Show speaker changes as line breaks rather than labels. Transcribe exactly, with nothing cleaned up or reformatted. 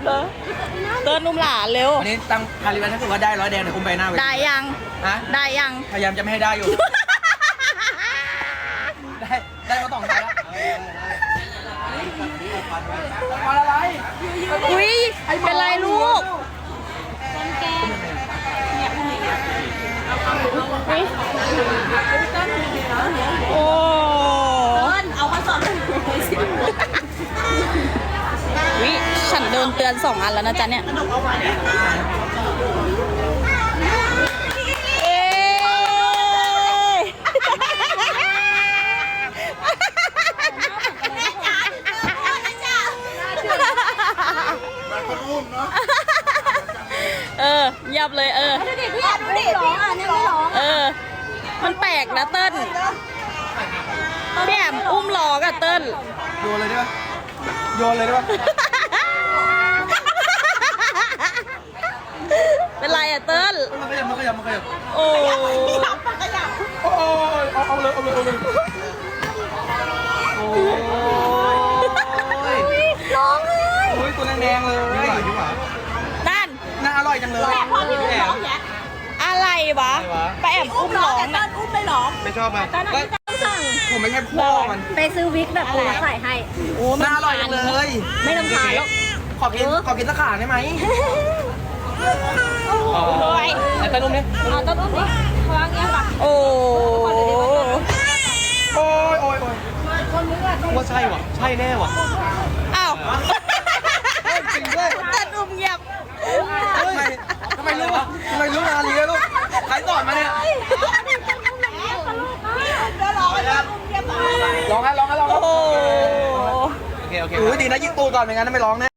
เติ้ลนุ่มหลานเร็ว
วันนี้ตั้งคาริบันถ้าเกิดว่าได้ร้อยแดงเดี๋ยวอุ้มไปหน้าเวที
ได้ยัง
ฮะ
ได้ยัง
พยายามจะไม่ให้ได้อยู่ ได้ได้มาสองครั้งแล้วอะไร
อุ้ยเป็นไรลูกโอ้เอามาสอนวิฉันเดินเตือนสองอันแล้วนะจ๊ะเนี่ยเอ๊ะเออยับเลยเออดูดิพี่ดูดิพี่อ่านยังไม่ร้องเออมันแปลกนะเติ้ลพี่แอมอุ้มล้อกับเติ้ล
โยนเลยได้ปะโยนเลยได้ปะ
เป็นไรอะเติ้ล
มันขยับมันขยับมันขยับ
โอ้ย
โอ้ยเอาเอาเลยเอาเลยเอาเลยโอ้ย
ร้องเลย
โอ้ยตัวแดงๆเลย
นั่น
น่าอร่อยจังเลย
แต่พอพี่ร้องแยะอะไรวะไปแอบอุ้มร้องนะอุ้มไม่ร้อง
ไม่ชอบมันผมไม่ใช่พ่อมัน
ไปซื้อวิกแบบปูใส่ให้
โอ้
น่าอร่อยจังเลย
ไม่ต้องขายหรอก
ขอกินขอกินสักขาได้ไหม
โอ้ย
ไอ้ตานุ่มนี่
เอาต้นอุ้มดิวางเงี้ยป่ะ
โอ้
โอ้ยโอ้ยโอ้ยว่าใช่ว่ะใช่แน่ว่ะ
อ้าว
จริงด้วย
ตัดอุ้มเงียบ
ทำไมทำไมรู้อ่ะทำไมรู้นาลีลูกใครสอนมาเนี่ยร้องให้ร้องให้ร้อง
โอ้
โอเคโอเคดีนะยิงตูก่อนไม่งั้นไม่ร้องแน่